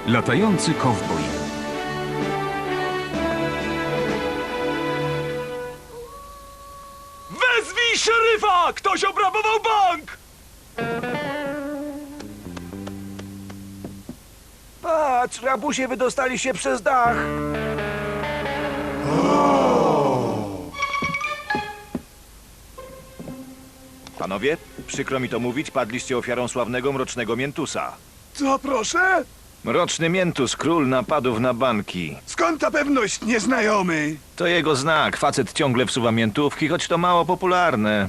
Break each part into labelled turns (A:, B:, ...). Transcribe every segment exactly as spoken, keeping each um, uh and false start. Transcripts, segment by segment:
A: Latający kowboj.
B: Wezwij szeryfa! Ktoś obrabował bank!
C: Patrz, rabusie wydostali się przez dach.
D: Panowie, przykro mi to mówić, padliście ofiarą sławnego Mrocznego Miętusa.
E: Co proszę?
D: Mroczny Miętus, król napadów na banki.
E: Skąd ta pewność, nieznajomy?
D: To jego znak. Facet ciągle wsuwa miętówki, choć to mało popularne.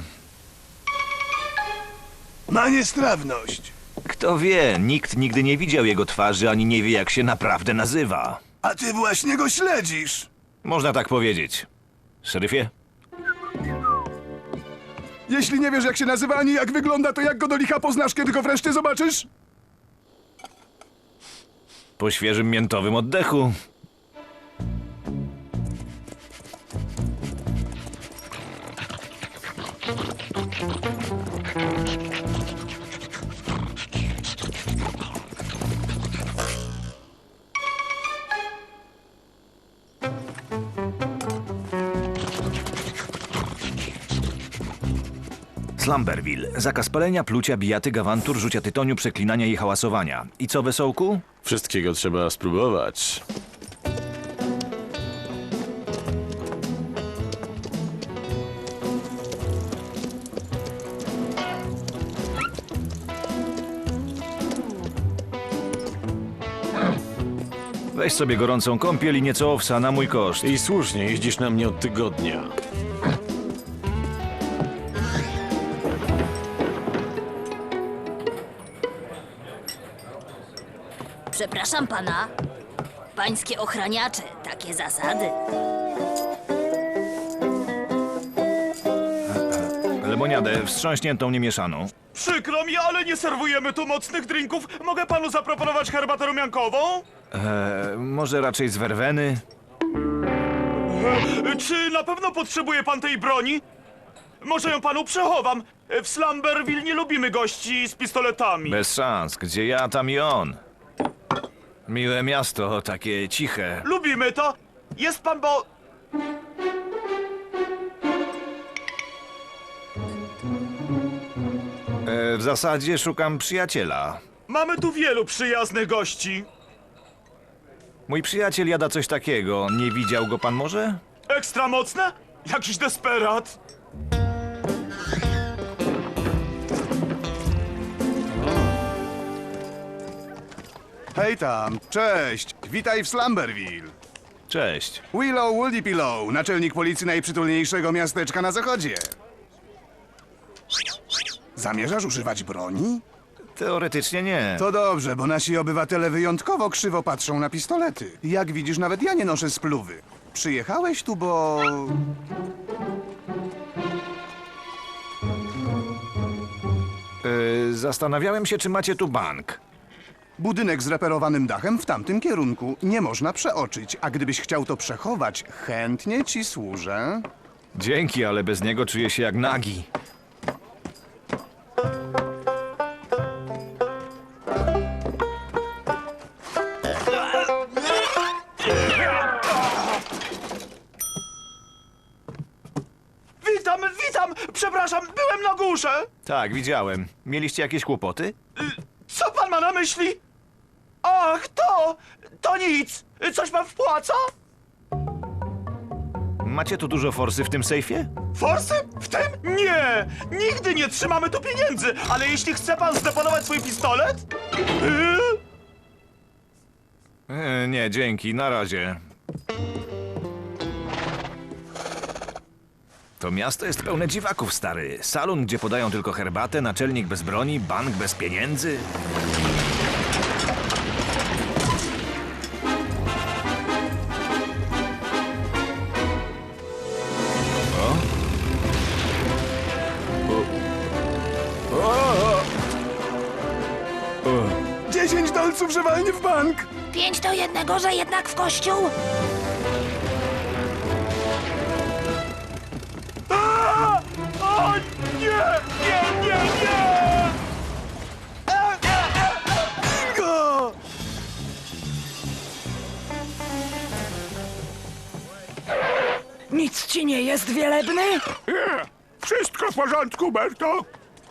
E: Ma niestrawność.
D: Kto wie, nikt nigdy nie widział jego twarzy, ani nie wie, jak się naprawdę nazywa.
E: A ty właśnie go śledzisz.
D: Można tak powiedzieć. Szeryfie?
E: Jeśli nie wiesz, jak się nazywa, ani jak wygląda, to jak go do licha poznasz, kiedy go wreszcie zobaczysz?
D: Po świeżym miętowym oddechu. Slumberville. Zakaz palenia, plucia, bijaty, gawantur, rzucia tytoniu, przeklinania i hałasowania. I co, wesołku?
F: Wszystkiego trzeba spróbować.
D: Weź sobie gorącą kąpiel i nieco owsa na mój koszt.
F: I słusznie, jeździsz na mnie od tygodnia.
G: Przepraszam pana. Pańskie ochraniacze, takie zasady.
D: Lemoniadę wstrząśniętą, niemieszaną.
B: Przykro mi, ale nie serwujemy tu mocnych drinków. Mogę panu zaproponować herbatę rumiankową?
D: Eee, może raczej z werweny?
B: E, Czy na pewno potrzebuje pan tej broni? Może ją panu przechowam. W Slumberville nie lubimy gości z pistoletami.
D: Bez szans. Gdzie ja, tam i on. Miłe miasto, takie ciche.
B: Lubimy to. Jest pan, bo...
D: E, w zasadzie szukam przyjaciela.
B: Mamy tu wielu przyjaznych gości.
D: Mój przyjaciel jada coś takiego. Nie widział go pan może?
B: Ekstra mocne? Jakiś desperat.
E: Hej tam, cześć. Witaj w Slumberville.
D: Cześć.
E: Willow Woolly Pillow, naczelnik policji najprzytulniejszego miasteczka na zachodzie. Zamierzasz używać broni?
D: Teoretycznie nie.
E: To dobrze, bo nasi obywatele wyjątkowo krzywo patrzą na pistolety. Jak widzisz, nawet ja nie noszę spluwy. Przyjechałeś tu, bo...
D: E, zastanawiałem się, czy macie tu bank.
E: Budynek z reperowanym dachem w tamtym kierunku nie można przeoczyć, a gdybyś chciał to przechować, chętnie ci służę.
D: Dzięki, ale bez niego czuję się jak nagi.
B: Witam, witam! Przepraszam, byłem na górze.
D: Tak, widziałem. Mieliście jakieś kłopoty?
B: Co pan ma na myśli? Ach, to... to nic. Coś pan wpłaca?
D: Macie tu dużo forsy w tym sejfie?
B: Forsy? W tym? Nie! Nigdy nie trzymamy tu pieniędzy, ale jeśli chce pan zdeponować swój pistolet? Yy?
D: E, nie, dzięki, na razie. To miasto jest pełne dziwaków, stary. Salon, gdzie podają tylko herbatę, naczelnik bez broni, bank bez pieniędzy.
E: Dziesięć dolców, że walnie w bank!
G: Pięć do jednego, że jednak w kościół?
B: A! O nie! Nie, nie, nie!
E: Bingo!
A: Nic ci nie jest, wielebny?
C: Nie, wszystko w porządku, Berto.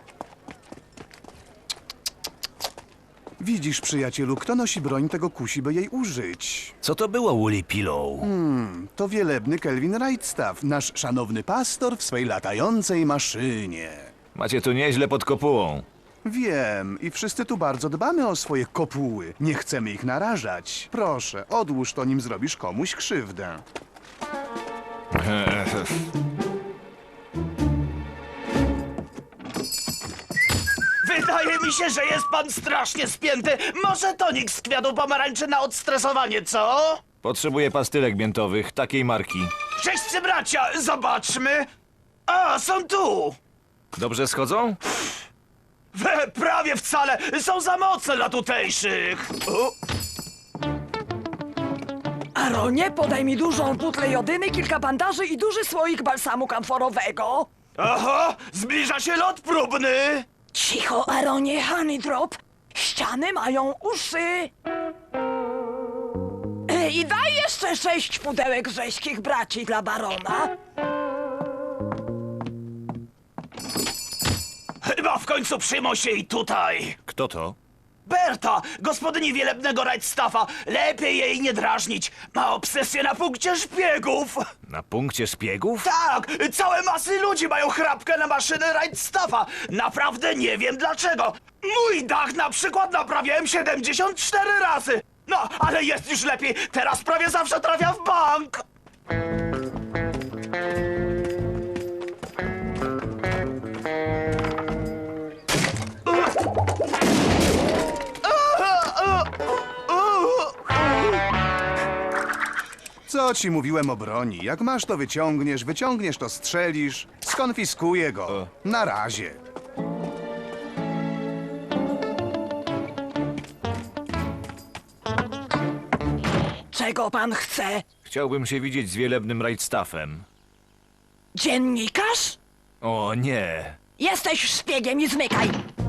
E: Widzisz, przyjacielu, kto nosi broń, tego kusi, by jej użyć.
D: Co to było, Woolly Pillow?
E: To wielebny Kelvin Wrightstaff, nasz szanowny pastor w swej latającej maszynie.
D: Macie tu nieźle pod kopułą.
E: Wiem, i wszyscy tu bardzo dbamy o swoje kopuły. Nie chcemy ich narażać. Proszę, odłóż to, nim zrobisz komuś krzywdę.
B: Wydaje mi się, że jest pan strasznie spięty. Może tonik z kwiatu pomarańczy na odstresowanie, co?
D: Potrzebuję pastylek miętowych, takiej marki.
B: Wszyscy bracia, zobaczmy. A, są tu.
D: Dobrze schodzą?
B: We, prawie wcale. Są za mocne dla tutejszych. O,
A: Aaronie, podaj mi dużą butlę jodyny, kilka bandaży i duży słoik balsamu kamforowego.
B: aha, zbliża się lot próbny.
A: Cicho, Aaronie, Honey Drop. Ściany mają uszy. E, I daj jeszcze sześć pudełek rzeźkich braci dla barona.
B: Chyba w końcu przyjmą się i tutaj.
D: Kto to?
B: Berta, gospodyni wielebnego Wrightstaffa. Lepiej jej nie drażnić. Ma obsesję na punkcie szpiegów.
D: Na punkcie szpiegów?
B: Tak, całe masy ludzi mają chrapkę na maszyny Wrightstaffa. Naprawdę nie wiem dlaczego. Mój dach na przykład naprawiałem siedemdziesiąt cztery razy. No, ale jest już lepiej. Teraz prawie zawsze trafia w bank.
E: Co ci mówiłem o broni? Jak masz, to wyciągniesz, wyciągniesz, to strzelisz. Skonfiskuję go. Na razie.
A: Czego pan chce?
D: Chciałbym się widzieć z wielebnym Wrightstaffem.
A: Dziennikarz?
D: O nie.
A: Jesteś szpiegiem i zmykaj.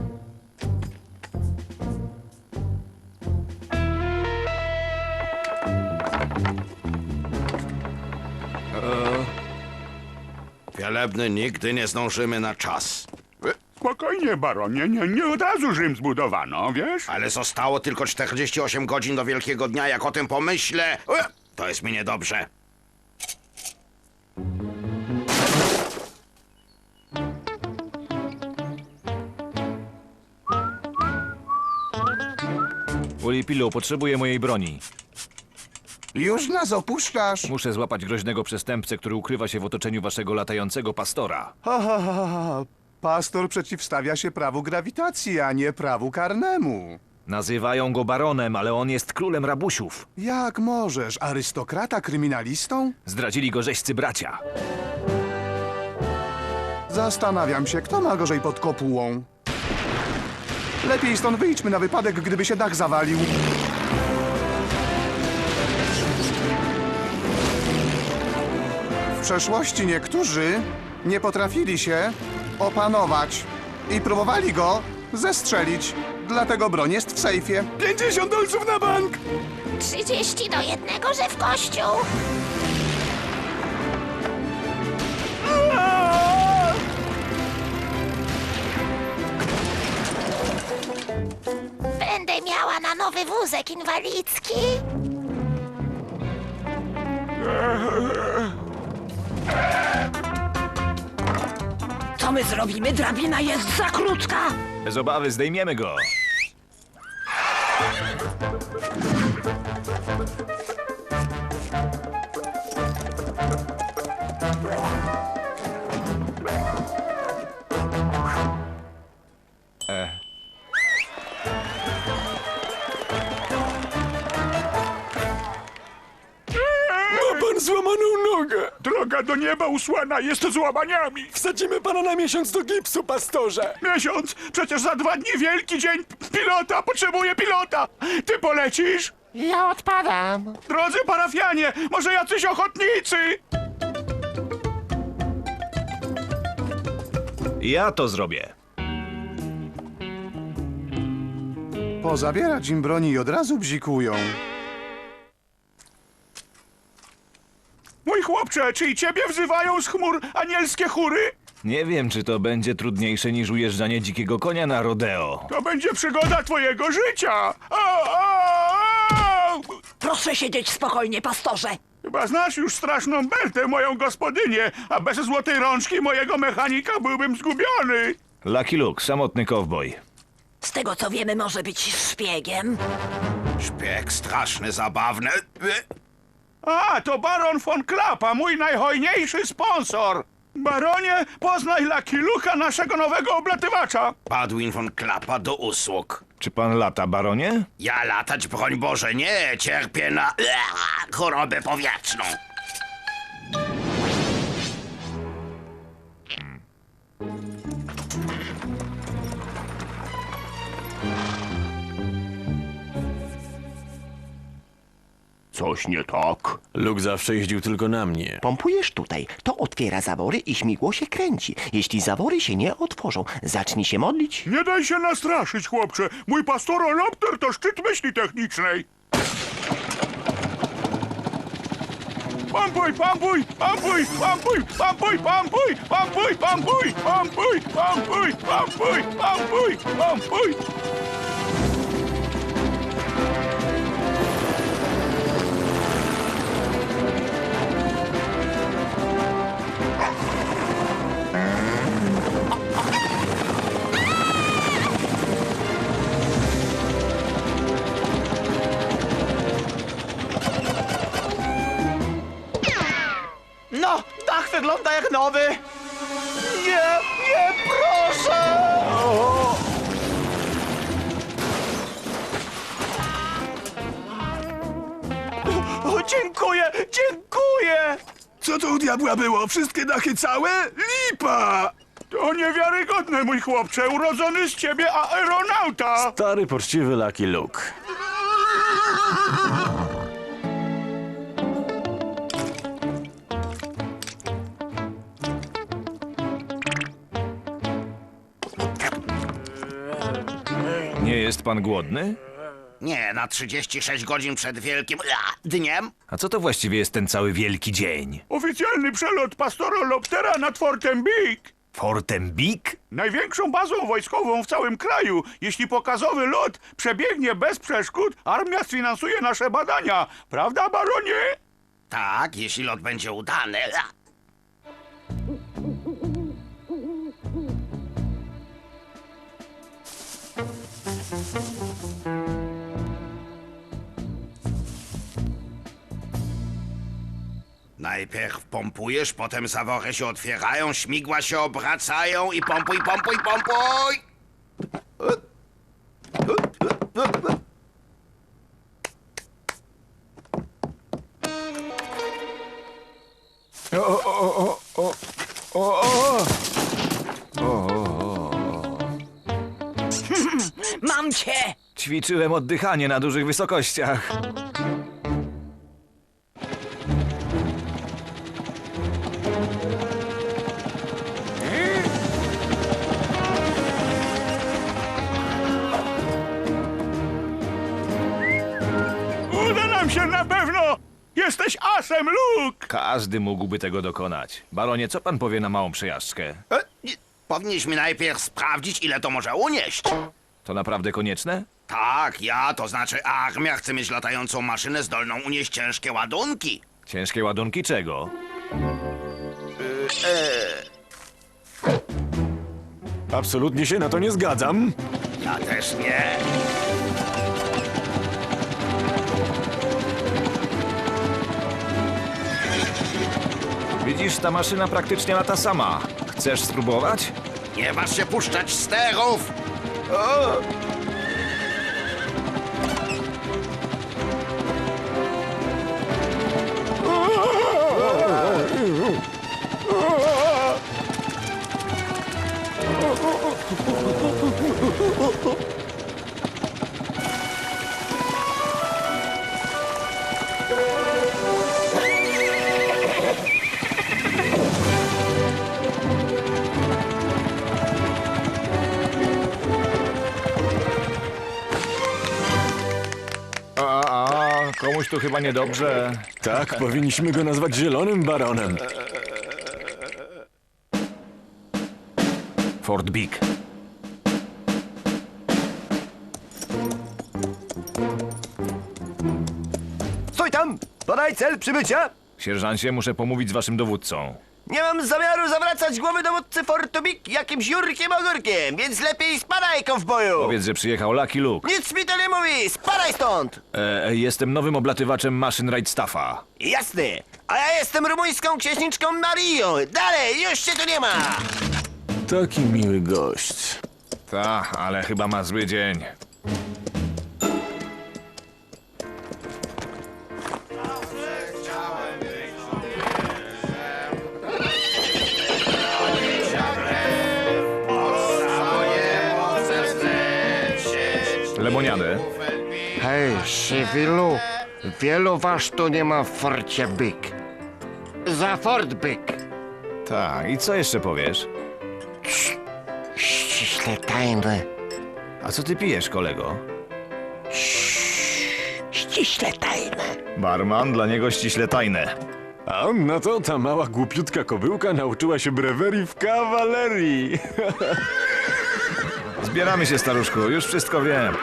H: Wielebny, nigdy nie zdążymy na czas.
C: Spokojnie, baronie, nie, nie od razu Rzym zbudowano, wiesz?
H: Ale zostało tylko czterdzieści osiem godzin do Wielkiego Dnia. Jak o tym pomyślę, e, to jest mi niedobrze.
D: Woolly Pillow, potrzebuję mojej broni.
E: Już nas opuszczasz?
D: Muszę złapać groźnego przestępcę, który ukrywa się w otoczeniu waszego latającego pastora.
E: Ha, ha, ha, ha. Pastor przeciwstawia się prawu grawitacji, a nie prawu karnemu.
D: Nazywają go baronem, ale on jest królem rabusiów.
E: Jak możesz? Arystokrata kryminalistą?
D: Zdradzili go rzeźcy bracia.
E: Zastanawiam się, kto ma gorzej pod kopułą. Lepiej stąd wyjdźmy na wypadek, gdyby się dach zawalił. W przeszłości niektórzy nie potrafili się opanować i próbowali go zestrzelić. Dlatego broń jest w sejfie. pięćdziesiąt dolców na bank!
G: Trzydzieści do jednego, że w kościół. Będę miała na nowy wózek inwalidzki.
A: Co my zrobimy? Drabina jest za krótka.
D: Bez obawy, zdejmiemy go. E.
C: Ma pan złamaną nogę. Droga do nieba usłana jest złamaniami.
I: Wsadzimy pana na miesiąc do gipsu, pastorze!
C: Miesiąc? Przecież za dwa dni wielki dzień pilota. Potrzebuję pilota. Ty polecisz?
I: Ja odpadam!
C: Drodzy parafianie, może jacyś ochotnicy?
D: Ja to zrobię.
E: Pozabierać im broni i od razu bzikują.
C: Mój chłopcze, czy i ciebie wzywają z chmur anielskie chóry?
D: Nie wiem, czy to będzie trudniejsze niż ujeżdżanie dzikiego konia na rodeo.
C: To będzie przygoda twojego życia! A, a, a!
A: Proszę siedzieć spokojnie, pastorze.
C: Chyba znasz już straszną Bertę, moją gospodynię, a bez złotej rączki mojego mechanika byłbym zgubiony.
D: Lucky Luke, samotny kowboj.
A: Z tego co wiemy, może być szpiegiem.
H: Szpieg straszny, zabawny.
C: A, to baron von Klappa, mój najhojniejszy sponsor. Baronie, poznaj Lucky Luke'a, naszego nowego oblatywacza.
H: Padwin von Klappa do usług.
D: Czy pan lata, baronie?
H: Ja latać, broń Boże, nie. Cierpię na Ua, chorobę powietrzną.
C: Coś nie tak.
F: Luke zawsze jeździł tylko na mnie.
I: Pompujesz tutaj, to otwiera zawory i śmigło się kręci. Jeśli zawory się nie otworzą, zacznij się modlić.
C: Nie daj się nastraszyć, chłopcze. Mój pastorolopter to szczyt myśli technicznej. Pampuj, pampuj, pampuj, pampuj, pampuj, pampuj, pampuj, pampuj, pampuj, pampuj, pampuj, pampuj, pampuj.
B: No, dach wygląda jak nowy. Nie, nie, proszę! O, dziękuję, dziękuję!
C: Co to u diabła było? Wszystkie dachy całe? Lipa! To niewiarygodne, mój chłopcze. Urodzony z ciebie aeronauta.
F: Stary, poczciwy Lucky Luke.
D: Nie jest pan głodny?
H: Nie, na trzydzieści sześć godzin przed wielkim Ua, dniem.
D: A co to właściwie jest ten cały wielki dzień?
C: Oficjalny przelot pastoroloptera nad Fortem Big.
D: Fortem Big?
C: Największą bazą wojskową w całym kraju. Jeśli pokazowy lot przebiegnie bez przeszkód, armia sfinansuje nasze badania. Prawda, baronie?
H: Tak, jeśli lot będzie udany. Ua. Najpierw pompujesz, potem zawory się otwierają, śmigła się obracają i pompuj, pompuj, pompuj!
A: Mam cię!
D: Ćwiczyłem oddychanie na dużych wysokościach.
C: Uda nam się na pewno! Jesteś asem, Luke!
D: Każdy mógłby tego dokonać. Baronie, co pan powie na małą przejażdżkę?
H: E, nie, Powinniśmy najpierw sprawdzić, ile to może unieść.
D: To naprawdę konieczne?
H: Tak, ja, to znaczy armia chce mieć latającą maszynę zdolną unieść ciężkie ładunki.
D: Ciężkie ładunki czego?
F: Absolutnie się na to nie zgadzam.
H: Ja też nie.
D: Widzisz, ta maszyna praktycznie lata sama. Chcesz spróbować?
H: Nie waż się puszczać sterów!
D: komuś tu chyba niedobrze.
F: Tak, powinniśmy go nazwać Zielonym Baronem.
D: Fort Big.
I: Stój tam! Podaj cel przybycia!
D: Sierżancie, muszę pomówić z waszym dowódcą.
I: Nie mam zamiaru zawracać głowy dowódcy Fortu Big jakimś Jurkiem Ogórkiem, więc lepiej spadaj, kowboju!
D: Powiedz, że przyjechał Lucky Luke.
I: Nic mi to nie mówi! Spadaj stąd!
D: E, jestem nowym oblatywaczem maszyn Wrightstaffa.
I: Jasny! A ja jestem rumuńską księżniczką Marią! Dalej, już się tu nie ma!
F: Taki miły gość.
D: Ta, ale chyba ma zły dzień. Lemoniadę.
J: Hej, Sywilu, wielu was tu nie ma w Forcie Big. Za Fort Big.
D: Tak, i co jeszcze powiesz?
J: Ściśle tajne.
D: A co ty pijesz, kolego?
J: Ściśle tajne.
D: Barman, dla niego ściśle tajne.
F: A on na to ta mała głupiutka kobyłka nauczyła się brewerii w kawalerii.
D: Zbieramy się, staruszku, już wszystko wiem.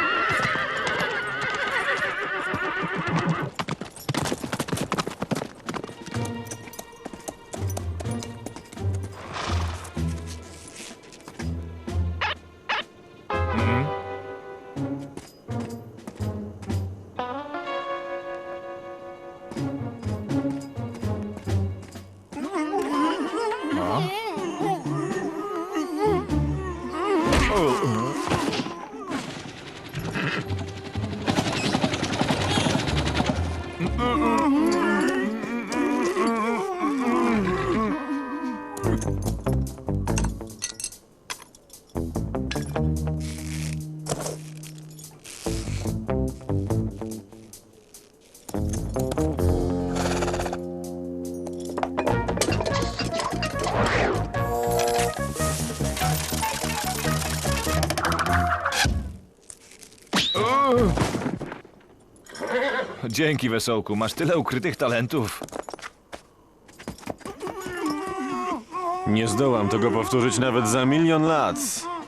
D: Dzięki, Wesołku, masz tyle ukrytych talentów.
F: Nie zdołam tego powtórzyć nawet za milion lat.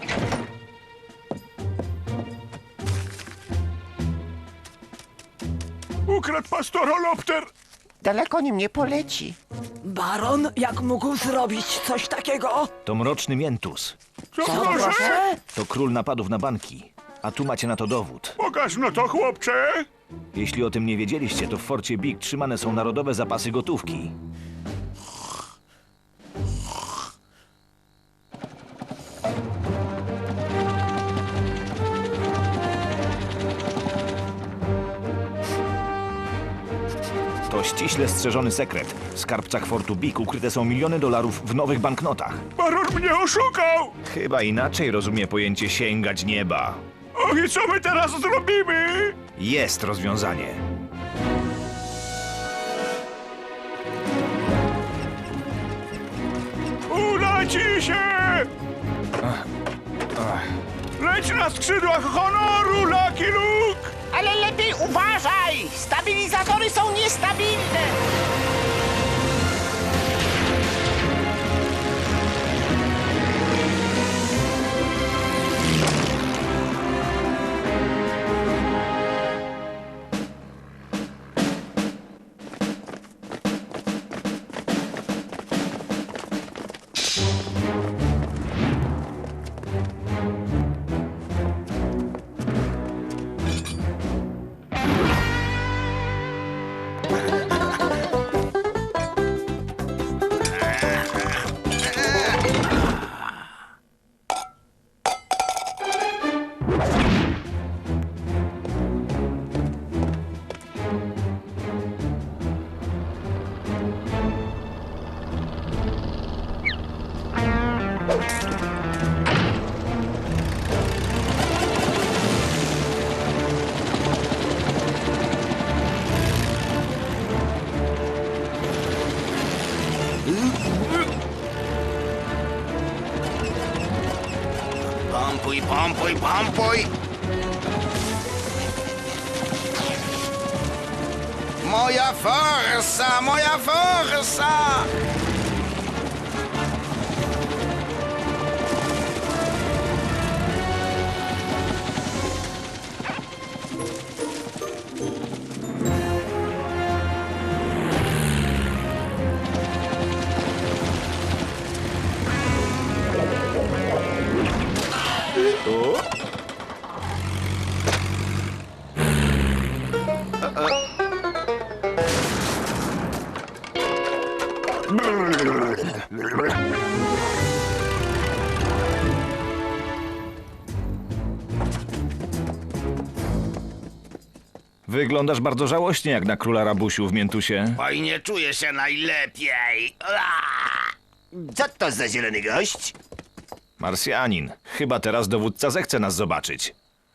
C: Ukradł pastorolopter.
I: Daleko nim nie poleci.
A: Baron, jak mógł zrobić coś takiego?
D: To mroczny Mientus.
C: Co
A: Co
C: proszę?
A: proszę?
D: To król napadów na banki. A tu macie na to dowód.
C: Pokaż no to, chłopcze.
D: Jeśli o tym nie wiedzieliście, to w Forcie Big trzymane są narodowe zapasy gotówki. To ściśle strzeżony sekret. W skarbcach Fortu Big ukryte są miliony dolarów w nowych banknotach.
C: Baron mnie oszukał.
D: Chyba inaczej rozumie pojęcie sięgać nieba.
C: O, i co my teraz zrobimy?
D: Jest rozwiązanie.
C: Uda ci się! Leć na skrzydłach honoru, Lucky Luke!
I: Ale lepiej uważaj! Stabilizatory są niestabilne!
H: Pompuj, pompuj, pompuj! Moja forsa, moja forsa!
D: Wyglądasz bardzo żałośnie jak na króla rabusiu w miętusie.
H: Oj, nie czuję się najlepiej. Aaaa!
I: Co to za zielony gość?
D: Marsjanin. Chyba teraz dowódca zechce nas zobaczyć.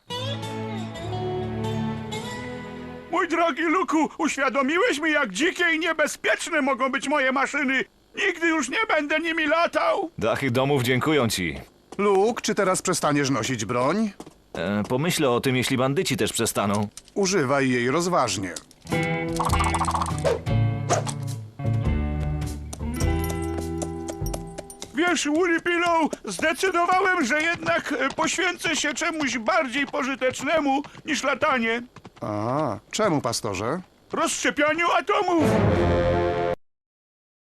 C: Mój drogi Luku, uświadomiłeś mi, jak dzikie i niebezpieczne mogą być moje maszyny. Nigdy już nie będę nimi latał.
D: Dachy domów dziękują ci.
E: Luke, czy teraz przestaniesz nosić broń?
D: E, pomyślę o tym, jeśli bandyci też przestaną.
E: Używaj jej rozważnie.
C: Wiesz, Woolly Pillow, zdecydowałem, że jednak e, poświęcę się czemuś bardziej pożytecznemu niż latanie.
E: A, czemu, pastorze?
C: Rozszczepianiu atomów.